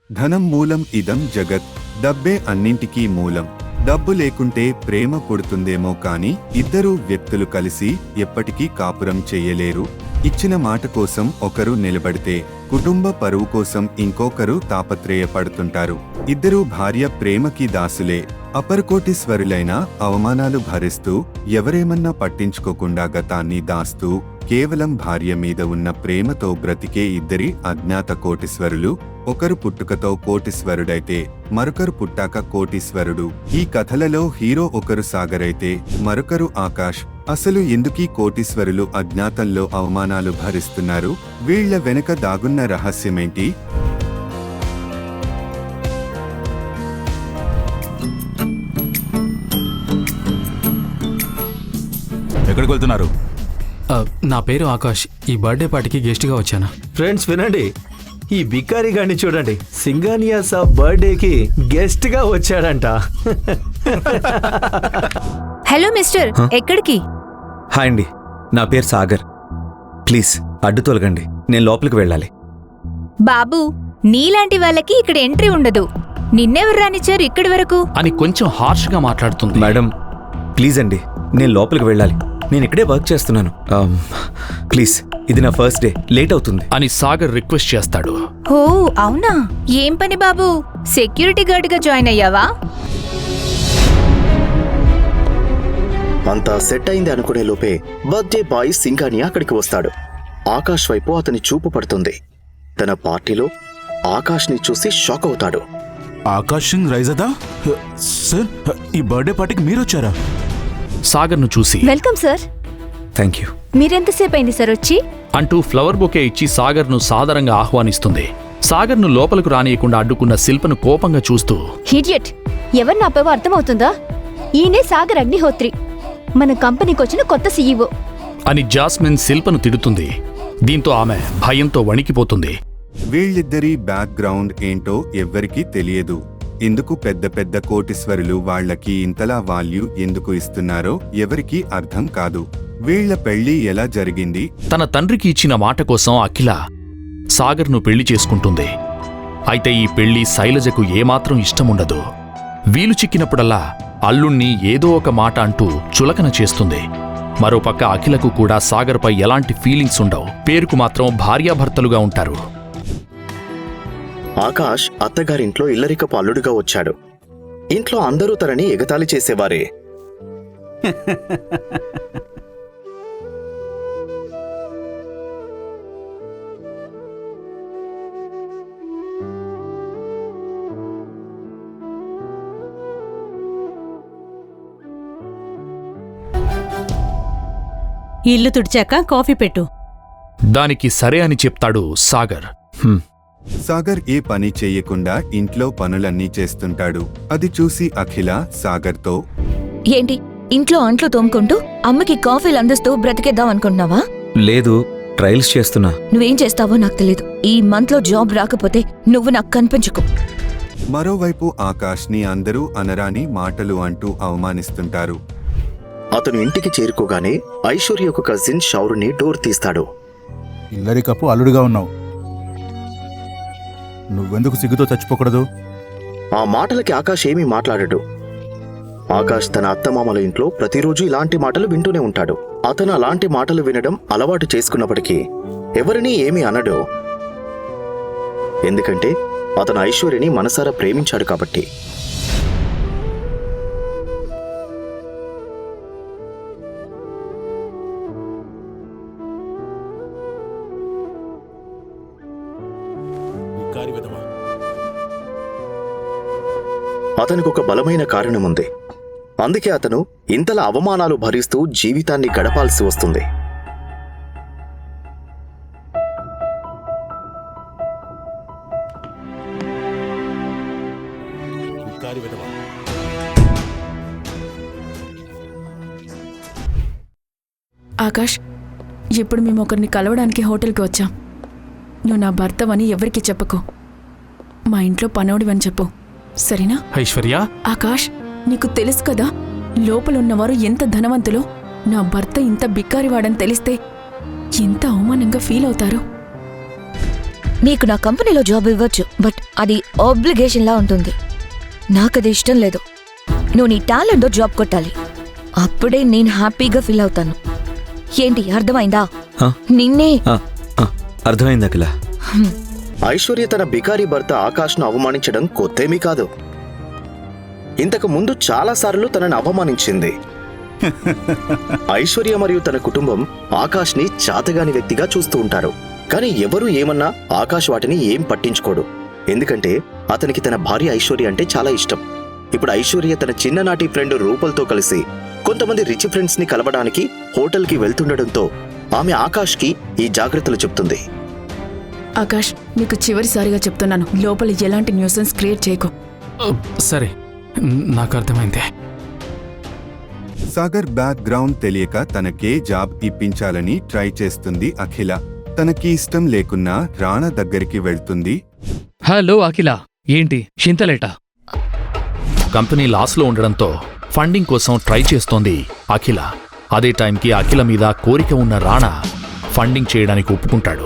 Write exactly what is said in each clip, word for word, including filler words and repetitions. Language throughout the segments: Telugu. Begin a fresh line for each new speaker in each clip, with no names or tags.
ధనం మూలం ఇదం జగత్. డబ్బే అన్నింటికీ మూలం. డబ్బు లేకుంటే ప్రేమ పుడుతుందేమో కాని ఇద్దరు వ్యక్తులు కలిసి ఎప్పటికీ కాపురం చెయ్యలేరు. ఇచ్చిన మాట కోసం ఒకరు నిలబడితే కుటుంబ పరువు కోసం ఇంకొకరు తాపత్రయపడుతుంటారు. ఇద్దరు భార్య ప్రేమకి దాసులే. అపరకోటీశ్వరులైన అవమానాలు భరిస్తూ ఎవరేమన్నా పట్టించుకోకుండా గతాన్ని దాస్తూ కేవలం భార్య మీద ఉన్న ప్రేమతో బ్రతికే ఇద్దరి అజ్ఞాత కోటీశ్వరులు. ఒకరు పుట్టుకతో కోటీశ్వరుడైతే మరొకరు పుట్టాక కోటీశ్వరుడు. ఈ కథలలో హీరో ఒకరు సాగర్ అయితే మరొకరు ఆకాష్. అసలు ఎందుకీ కోటీశ్వరులు అజ్ఞాతంలో అవమానాలు భరిస్తున్నారు? వీళ్ల వెనక దాగున్న రహస్యమేంటి?
ఎక్కడికి వెళ్తున్నారు?
నా పేరు ఆకాష్. ఈ బర్త్డే పార్టీకి గెస్ట్గా వచ్చాను.
ఫ్రెండ్స్ వినండి, ఈ బికారి గారిని చూడండి. సింగానియా సాబ్ బర్త్డేకి గెస్ట్ గా వచ్చాడంట.
హలో మిస్టర్, ఎక్కడికి?
హాయ్ అండి, నా పేరు సాగర్. ప్లీజ్ అడ్డు తొలగండి, నేను లోపలికి వెళ్ళాలి.
బాబు, నీలాంటి వాళ్ళకి ఇక్కడ ఎంట్రీ ఉండదు. నిన్నెవరు రానిచ్చారు ఇక్కడి వరకు
అని కొంచెం హార్ష్ గా మాట్లాడుతుంది.
మేడం ప్లీజ్ అండి, నేను లోపలికి వెళ్ళాలి. నేను ఇక్కడే వర్క్ చేస్తున్నాను. ప్లీజ్, ఇది నా ఫస్ట్ డే, లేట్ అవుతుంది
అని సాగర్ రిక్వెస్ట్ చేస్తాడు.
ఓ అవునా? ఏం పని బాబు? సెక్యూరిటీ గార్డ్ గా జాయిన్ అయ్యావా?
అంతా సెట్ అయింది అనుకునే లోపే బర్త్డే బాయ్ సింగానియా అక్కడికి వస్తాడు. ఆకాష్ వైపు అతని చూపు పడుతుంది. తన పార్టీలో ఆకాష్ ని చూసి షాక్ అవుతాడు.
ఆకాష్ సింగ్ రైజదా? సార్, ఈ బర్త్డే పార్టీకి మీరు వచ్చారా?
సాగర్ ను చూసి
వెల్కమ్ సార్.
Thank you.
మీరెంతసేపు అయింది సార్ వచ్చి?
అంటూ ఫ్లవర్ బొకే ఇచ్చి సాగర్ ను సాదరంగా ఆహ్వానిస్తుంది. సాగర్ ను లోపలకు రానియకుండా అడ్డుకున్న శిల్పను కోపంగా చూస్తూ,
హిడియట్, ఎవరు నాపేవో అర్థమవుతుందా? ఈయనే సాగర్ అగ్నిహోత్రి, మన కంపెనీకి వచ్చిన కొత్త సీఈఓ
అని జాస్మిన్ శిల్పను తిడుతుంది. దీంతో ఆమె భయంతో వణికిపోతుంది.
వీళ్ళిద్దరి బ్యాక్గ్రౌండ్ ఏంటో ఎవ్వరికీ తెలియదు. ఎందుకు పెద్ద పెద్ద కోటీశ్వరులు వాళ్లకి ఇంతలా వాల్యూ ఎందుకు ఇస్తున్నారో ఎవరికీ అర్థం కాదు. వీళ్ల పెళ్లి ఎలా జరిగింది?
తన తండ్రికి ఇచ్చిన మాట కోసం అఖిల సాగర్ను పెళ్లి చేసుకుంటుంది. అయితే ఈ పెళ్లి శైలజకు ఏమాత్రం ఇష్టముండదు. వీలు చిక్కినప్పుడల్లా అల్లుణ్ణి ఏదో ఒక మాట అంటూ చులకన చేస్తుంది. మరోపక్క అఖిలకు కూడా సాగర్పై ఎలాంటి ఫీలింగ్స్ ఉండవు. పేరుకు మాత్రం భార్యాభర్తలుగా ఉంటారు.
ఆకాష్ అత్తగారింట్లో ఇల్లరికపు అల్లుడుగా వచ్చాడు. ఇంట్లో అందరూ తనని ఎగతాళి చేసేవారే.
ఇల్లు తుడిచాక కాఫీ పెట్టు.
దానికి సరే అని చెప్తాడు సాగర్.
సాగర్ ఏ పని చెయ్యకుండా ఇంట్లో పనులన్నీ చేస్తుంటాడు. అది చూసి అఖిల సాగర్తో,
ఏంటి ఇంట్లో అంట్లు తోముకుంటూ అమ్మకి కాఫీలు అందిస్తూ బ్రతికేద్దాం అనుకుంటున్నావా?
లేదు, ట్రయల్స్ చేస్తున్నా.
నువ్వేం చేస్తావో నాకు తెలీదు. ఈ మంత్ లో జాబ్ రాకపోతే నువ్వు నాకు కనిపించకు.
మరోవైపు ఆకాష్ ని అందరూ అనరాని మాటలు అంటూ అవమానిస్తుంటారు.
అతను ఇంటికి చేరుకోగానే ఐశ్వర్య ఒక కజిన్ షౌరుని డోర్ తీస్తాడు.
ఇల్లరికప్పు అల్లుడుగా ఉన్నావు, నువ్వెందుకు సిగ్గుతో చచ్చిపోకూడదు?
ఆ మాటలకి ఆకాష్ ఏమీ మాట్లాడడు. ఆకాష్ తన అత్తమామల ఇంట్లో ప్రతిరోజు ఇలాంటి మాటలు వింటూనే ఉంటాడు. అతను అలాంటి మాటలు వినడం అలవాటు చేసుకున్నప్పటికీ ఎవరినీ ఏమీ అనడు. ఎందుకంటే అతను ఐశ్వర్యని మనసారా ప్రేమించాడు కాబట్టి. అతనికి ఒక బలమైన కారణముంది. అందుకే అతను ఇంతలా అవమానాలు భరిస్తూ జీవితాన్ని గడపాల్సి వస్తుంది.
ఆకాష్, ఇప్పుడు మేము ఒకరిని కలవడానికి హోటల్కి వచ్చాం. నువ్వు నా భర్తవని ఎవరికి చెప్పకు. మా ఇంట్లో పనోడివని చెప్పు, సరేనా?
ఐశ్వర్య,
ఆకాష్, నీకు తెలుసు కదా లోపలున్నవారు ఎంత ధనవంతులో. నా భర్త ఇంత బిక్కారివాడని తెలిస్తే ఎంత అవమానంగా ఫీల్ అవుతారు.
నీకు నా కంపెనీలో జాబ్ ఇవ్వచ్చు, బట్ అది ఆబ్లిగేషన్ లా ఉంటుంది. నాకది ఇష్టం లేదు. నువ్వు నీ టాలెంట్తో జాబ్ కొట్టాలి. అప్పుడే నేను హ్యాపీగా ఫీల్ అవుతాను. ఏంటి అర్థమైందా?
ఆ,
నిన్నే
ఆ, ఆ, అర్థమైంది అఖిల.
ఐశ్వర్య తన బికారీ భర్త ఆకాష్ను అవమానించడం కొత్తేమీ కాదు. ఇంతకు ముందు చాలాసార్లు తనని అవమానించింది. ఐశ్వర్య మరియు తన కుటుంబం ఆకాష్ని చాతగాని వ్యక్తిగా చూస్తూ ఉంటారు. కానీ ఎవరూ ఏమన్నా ఆకాష్ వాటిని ఏం పట్టించుకోడు. ఎందుకంటే అతనికి తన భార్య ఐశ్వర్య అంటే చాలా ఇష్టం. ఇప్పుడు ఐశ్వర్య తన చిన్ననాటి ఫ్రెండ్ రూపల్తో కలిసి కొంతమంది రిచ్ ఫ్రెండ్స్ ని కలవడానికి హోటల్కి వెళ్తుండటంతో ఆమె ఆకాష్కి ఈ జాగ్రత్తలు చెప్తుంది.
ఆకాష్, నీకు చివరిసారిగా చెప్తున్నాను, లోపల ఎలాంటి న్యూసెన్స్ క్రియేట్ చేయకు.
సరే, నాకు అర్థమైంది.
సాగర్ బ్యాక్గ్రౌండ్ తెలియక తనకే జాబ్ ఇప్పించాలని ట్రై చేస్తుంది అఖిల. తనకి ఇష్టం లేకున్నా రాణా దగ్గరికి వెళ్తుంది.
హలో అఖిల, ఏంటి చింతలేట?
కంపెనీ లాస్లో ఉండడంతో ఫండింగ్ కోసం ట్రై చేస్తోంది అఖిల. అదే టైంకి అఖిల మీద కోరిక ఉన్న రాణా ఫండింగ్ చేయడానికి ఒప్పుకుంటాడు.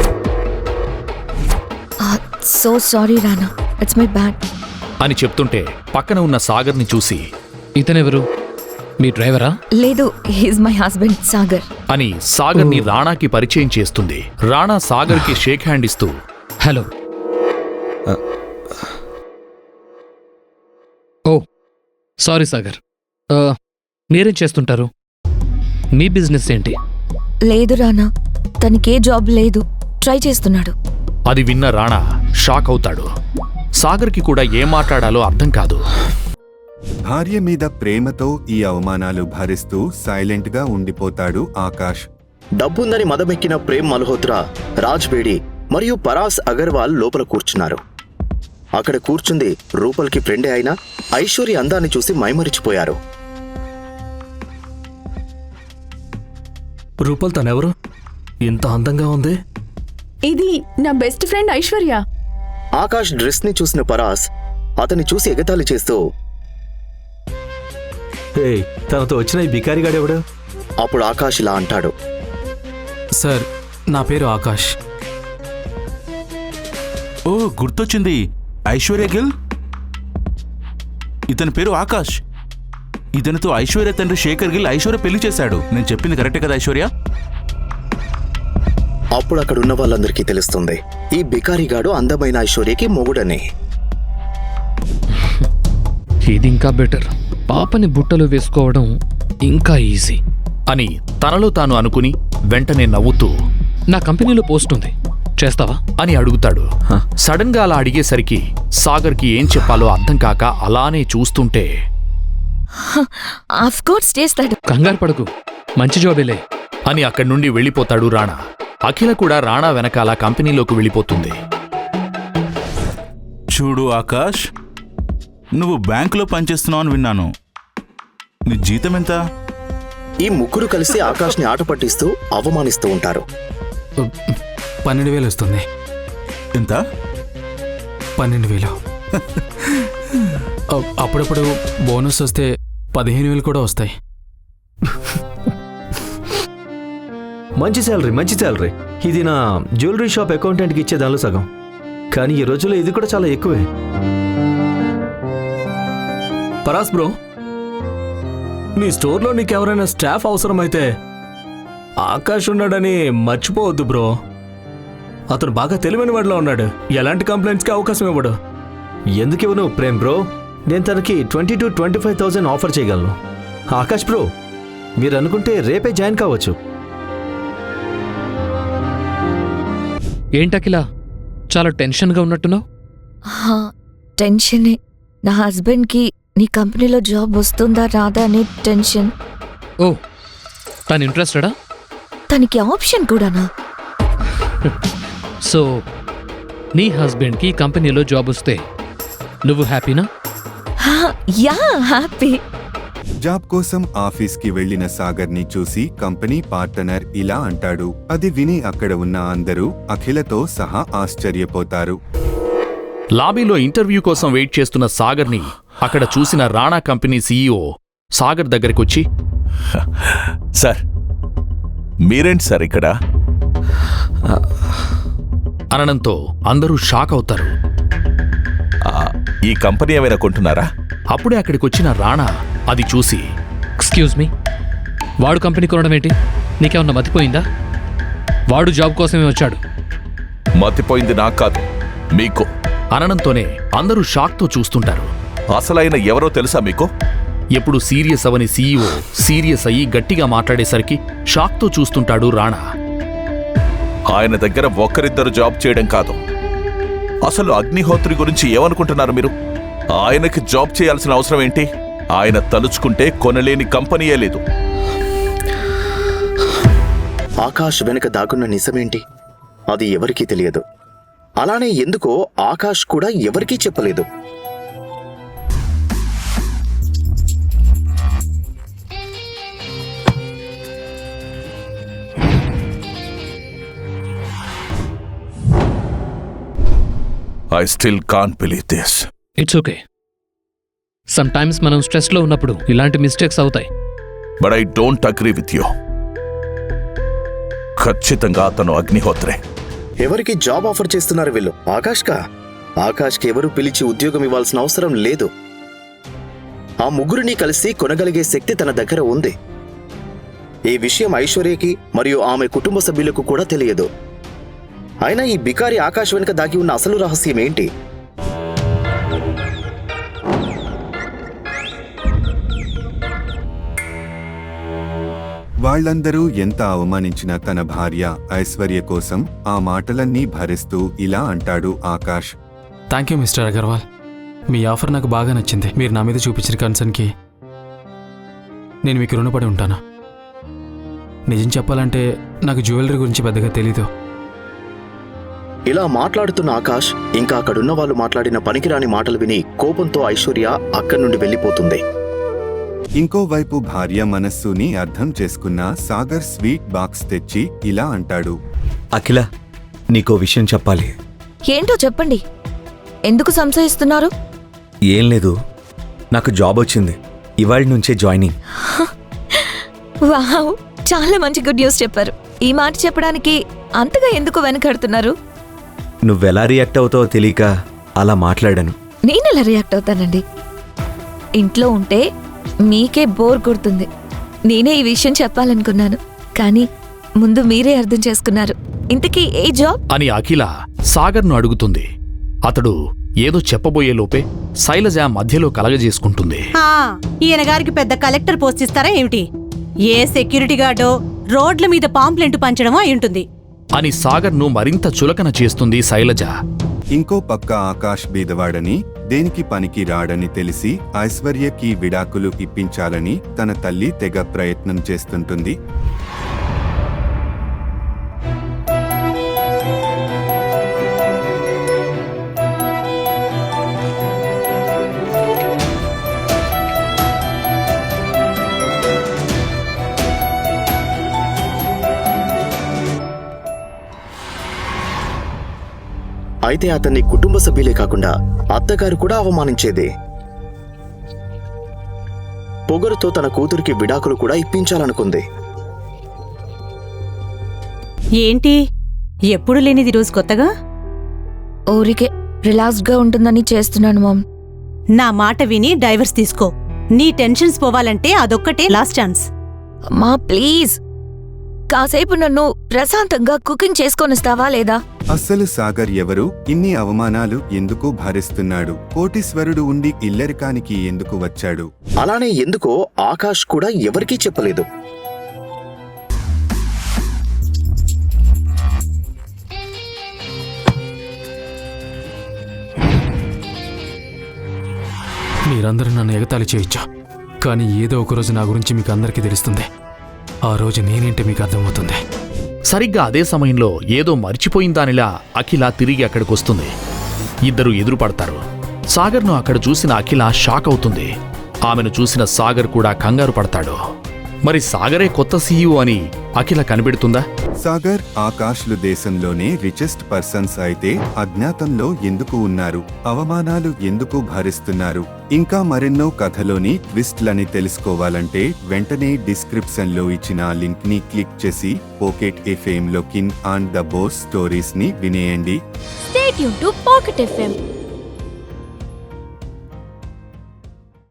So sorry Rana, it's my bad
అని చెప్తుంటే పక్కన ఉన్న సాగర్ని చూసి,
ఇతనెవరు? మీ డ్రైవరా?
లేదు, హీస్ మై హస్బెండ్ సాగర్
అని సాగర్ని రాణాకి పరిచయం చేస్తుంది. రాణా సాగర్కి షేక్ హ్యాండ్ ఇస్తూ,
హలో. ఓ సారీ సాగర్, ఆ, మీరేం చేస్తుంటారు? మీ బిజినెస్ ఏంటి?
లేదు రానా, తనకే జాబ్ లేదు, ట్రై చేస్తున్నాడు.
అది విన్న రాణా షాక్ అవుతాడు. సాగర్కి కూడా ఏం మాట్లాడాలో అర్థం కాదు.
భార్య మీద ప్రేమతో ఈ అవమానాలు భరిస్తూ సైలెంట్ గా ఉండిపోతాడు ఆకాష్.
డబ్బుందని మదమెక్కిన ప్రేమ్ మల్హోత్రా, రాజ్ బేడి మరియు పరాస్ అగర్వాల్ లోపల కూర్చున్నారు. అక్కడ కూర్చుంది రూపల్కి ఫ్రెండే అయినా ఐశ్వర్య అందాన్ని చూసి మైమరిచిపోయారు.
రూపల్ తనెవరు? ఇంత అందంగా ఉంది.
ఇది నా best friend Aishwarya.
Akash dress ని చూసిన పరాస్ అతన్ని చూసి ఎగతాళి చేస్తూ,
హే, తనతో వచ్చిన ఈ బికారిగాడెవడు?
అప్పుడు ఆకాష్ ఇలా అంటాడు,
సార్, నా పేరు ఆకాష్.
ఓ, గుర్తొచ్చింది, ఐశ్వర్య గిల్. ఇతని పేరు ఆకాష్. ఇతనితో ఐశ్వర్య తండ్రి శేఖర్ గిల్ ఐశ్వర్య పెళ్లి చేశాడు. నేను చెప్పింది కరెక్టే కదా ఐశ్వర్య?
అప్పుడు అక్కడున్న వాళ్ళందరికీ తెలుస్తుంది ఈ బికారిగాడు అందమైన ఐశ్వర్యకి మొగుడని.
ఇది ఇంకా బెటర్. పాపని బుట్టలు వేసుకోవడం ఇంకా ఈజీ
అని తనలో తాను అనుకుని వెంటనే నవ్వుతూ,
నా కంపెనీలో పోస్ట్ ఉంది, చేస్తావా
అని అడుగుతాడు. సడన్ గా అలా అడిగేసరికి సాగర్కి ఏం చెప్పాలో అర్థం కాక అలానే చూస్తుంటే,
ఆఫ్ కోర్స్ చేస్తాడు.
కంగారు పడకు, మంచి జాబేలే
అని అక్కడి నుండి వెళ్ళిపోతాడు రాణా. అఖిల కూడా రాణా వెనకాల కంపెనీలోకి వెళ్ళిపోతుంది.
చూడు ఆకాష్, నువ్వు బ్యాంకులో పనిచేస్తున్నావు అని విన్నాను. నీ జీతం ఎంత?
ఈ ముగ్గురు కలిసి ఆకాష్ని ఆట పట్టిస్తూ అవమానిస్తూ ఉంటారు.
పన్నెండు వేలు వస్తుంది.
ఎంత?
పన్నెండు వేలు. అ- అప్పుడప్పుడు బోనస్ వస్తే పదిహేను వేలు కూడా వస్తాయి.
మంచి శాలరీ, మంచి శాలరీ. ఇది నా జ్యువెలరీ షాప్ అకౌంటెంట్కి ఇచ్చే దానిలో సగం. కానీ ఈ రోజుల్లో ఇది కూడా చాలా ఎక్కువే. పరాస్ బ్రో, మీ స్టోర్లో నీకెవరైనా స్టాఫ్ అవసరమైతే ఆకాష్ ఉన్నాడని మర్చిపోవద్దు బ్రో. అతను బాగా తెలివైన వాడిలో ఉన్నాడు. ఎలాంటి కంప్లైంట్స్కి అవకాశం ఇవ్వడు. ఎందుకు ఇవ్వను ప్రేమ్ బ్రో? నేను తనకి twenty two twenty five thousand offer చేయగలను. ఆకాష్ బ్రో, మీరు అనుకుంటే రేపే జాయిన్ కావచ్చు.
ఏంటకిలా చాలా టెన్షన్గా ఉన్నట్టున్నావు?
హా, టెన్షనే. నా హస్బెండ్కి నీ కంపెనీలో జాబ్ వస్తుందా రాదా అనే టెన్షన్.
ఓ, తను ఇంట్రెస్టెడా?
తనకి ఆప్షన్ కూడానా?
సో నీ హస్బెండ్కి కంపెనీలో జాబ్ వస్తే నువ్వు హ్యాపీనా?
హా, యా, హ్యాపీ.
జాబ్ కోసం ఆఫీస్కి వెళ్లిన సాగర్ని చూసి కంపెనీ పార్ట్నర్ ఇలా అంటాడు. అది విని అక్కడ ఉన్న అందరూ అఖిలతో సహా ఆశ్చర్యపోతారు.
లాబీలో ఇంటర్వ్యూ కోసం వెయిట్ చేస్తున్న సాగర్ని అక్కడ చూసిన రాణా కంపెనీ సీఈఓ సాగర్ దగ్గరికొచ్చి,
సార్, మీరేంటి సార్ ఇక్కడ?
అనడంతో అందరూ షాక్ అవుతారు.
ఈ కంపెనీ ఏమైనా కొంటున్నారా?
అప్పుడే అక్కడికొచ్చిన రాణా అది చూసి,
ఎక్స్క్యూజ్ మీ, వాడు కంపెనీ కొనడం ఏంటి? నీకేమన్నా మతిపోయిందా? వాడు జాబ్ కోసమే వచ్చాడు.
మతిపోయింది నాకు కాదు, మీకు.
అనడంతోనే అందరూ షాక్తో చూస్తుంటారు.
అసలైన ఎవరో తెలుసా మీకు?
ఎప్పుడు సీరియస్ అవని సీఈఓ సీరియస్ అయ్యి గట్టిగా మాట్లాడేసరికి షాక్తో చూస్తుంటాడు రాణా.
ఆయన దగ్గర ఒక్కరిద్దరు జాబ్ చేయడం కాదు, అసలు అగ్నిహోత్రి గురించి ఏమనుకుంటున్నారు మీరు? ఆయనకి జాబ్ చేయాల్సిన అవసరం ఏంటి? ఆయన తలుచుకుంటే కొనలేని కంపెనీయే లేదు.
ఆకాష్ వెనుక దాగున్న నిజమేంటి? అది ఎవరికీ తెలియదు. అలానే ఎందుకో ఆకాష్ కూడా ఎవరికీ చెప్పలేదు.
I still can't believe this.
It's okay. Sometimes మనం స్ట్రెస్లో ఉన్నప్పుడు ఇలాంటి మిస్టేక్స్ అవుతాయి.
But I don't agree with you. ఖచ్చితంగా అతను అగ్నిహోత్రే.
ఎవరికి జాబ్ ఆఫర్ చేస్తున్నారు వీళ్ళు? ఆకాష్కా? ఆకాష్కి ఎవరు పిలిచి ఉద్యోగం ఇవ్వాల్సిన అవసరం లేదు. ఆ ముగ్గురిని కలిసి కొనగలిగే శక్తి తన దగ్గర ఉంది. ఈ విషయం ఐశ్వర్యకి మరియు ఆమె కుటుంబ సభ్యులకు కూడా తెలియదు. అయినా ఈ బికారి ఆకాష్ వెనుక దాగి ఉన్న అసలు రహస్యం ఏంటి?
వాళ్ళందరూ ఎంత అవమానించినా తన భార్య ఐశ్వర్య కోసం ఆ మాటలన్నీ భరిస్తూ ఇలా అంటాడు Akash.
Thank you mister Agarwal. మీ ఆఫర్ నాకు బాగా నచ్చింది. మీరు నా మీద చూపించిన కన్సర్న్కి నేను మీకు రుణపడి ఉంటాను. నిజం చెప్పాలంటే నాకు జ్యువెలరీ గురించి పెద్దగా తెలీదు.
ఇలా మాట్లాడుతున్న ఆకాష్ ఇంకా అక్కడున్న వాళ్ళు మాట్లాడిన పనికిరాని మాటలు విని కోపంతో ఐశ్వర్య అక్కడి నుండి వెళ్ళిపోతుంది.
ఇంకోవైపు భార్య మనస్సుని అర్థం చేసుకున్న సాగర్ స్వీట్ బాక్స్ తెచ్చి ఇలా అంటాడు.
అఖిల, నీకో విషయం చెప్పాలి.
ఏంటో చెప్పండి. ఎందుకు సంశయిస్తున్నారు?
ఏం లేదు, నాకు జాబ్ వచ్చింది. ఇవాళ నుంచే జాయినింగ్.
వావ్, చాలా మంచి గుడ్ న్యూస్ చెప్పారు. ఈ మాట చెప్పడానికి అంతగా ఎందుకు వెనకడుతున్నారు?
నువ్వెలా రియాక్ట్ అవుతావో తెలియక అలా మాట్లాడాను.
నేనెలా రియాక్ట్ అవుతానండి? ఇంట్లో ఉంటే మీకే బోర్ కొడుతుంది. నేనే ఈ విషయం చెప్పాలనుకున్నాను, కానీ ముందు మీరే అర్థం చేసుకున్నారు. ఇంతకీ ఏ జాబ్
అని అఖిల సాగర్ను అడుగుతుంది. అతడు ఏదో చెప్పబోయే లోపే శైలజ మధ్యలో కలగజేసుకుంటుంది.
ఈయన గారికి పెద్ద కలెక్టర్ పోస్ట్ ఇస్తారా ఏమిటి? ఏ సెక్యూరిటీ గార్డో రోడ్ల మీద పాంప్లెంట్ పంచడమో అయి ఉంటుంది
అని సాగర్ను మరింత చులకన చేస్తుంది శైలజ.
ఇంకో పక్క ఆకాష్ బీదవాడని, దేనికి పనికి రాడని తెలిసి ఐశ్వర్యకి విడాకులు ఇప్పించాలని తన తల్లి తెగ ప్రయత్నం చేస్తుంటుంది.
అయితే అతన్ని కుటుంబ సభ్యులే కాకుండా అత్తగారు కూడా అవమానించేది. పొగరుతో తన కూతురికి విడాకులు కూడా ఇప్పించాలనుకుంది.
ఏంటి ఎప్పుడు లేనిది రోజు కొత్తగా?
ఊరికే రిలాక్స్డ్ గా ఉంటుందని చేస్తున్నాను మామ్.
నా మాట విని డైవర్స్ తీసుకో. నీ టెన్షన్స్ పోవాలంటే అదొక్కటే లాస్ట్ ఛాన్స్.
మా ప్లీజ్, కాసేపు నన్ను ప్రశాంతంగా కుకింగ్ చేసుకొనిస్తావా లేదా?
అస్సలు సాగర్ ఎవరు? ఇన్ని అవమానాలు ఎందుకు భరిస్తున్నాడు? కోటీశ్వరుడు ఉండి ఇల్లరికానికి ఎందుకు వచ్చాడు?
అలానే ఎందుకో ఆకాష్ కూడా ఎవరికీ చెప్పలేదు.
మీరందరూ నన్ను ఎగతాళి చేయొచ్చు, కానీ ఏదో ఒకరోజు నా గురించి మీకు అందరికీ తెలుస్తుంది. ఆ రోజు నేనేంటే మీకు అర్థమవుతుంది.
సరిగ్గా అదే సమయంలో ఏదో మర్చిపోయిందానిలా అఖిల తిరిగి అక్కడికొస్తుంది. ఇద్దరు ఎదురుపడతారు. సాగర్ను అక్కడ చూసిన అఖిల షాక్ అవుతుంది. ఆమెను చూసిన సాగర్ కూడా కంగారు పడతాడు. మరి సాగరే కొత్త సీఈఓ అని అఖిల కనిపెడుతుందా?
సాగర్, ఆకాష్లు దేశంలోనే రిచెస్ట్ పర్సన్స్ అయితే అజ్ఞాతంలో ఎందుకు ఉన్నారు? అవమానాలు ఎందుకు భరిస్తున్నారు? ఇంకా మరెన్నో కథలోని ట్విస్ట్లని తెలుసుకోవాలంటే వెంటనే డిస్క్రిప్షన్ లో ఇచ్చిన లింక్ ని క్లిక్ చేసి పోకెట్ ఎఫ్ఎం లో kin and the boss stories ని వినేయండి.
Stay tuned to Pocket F M.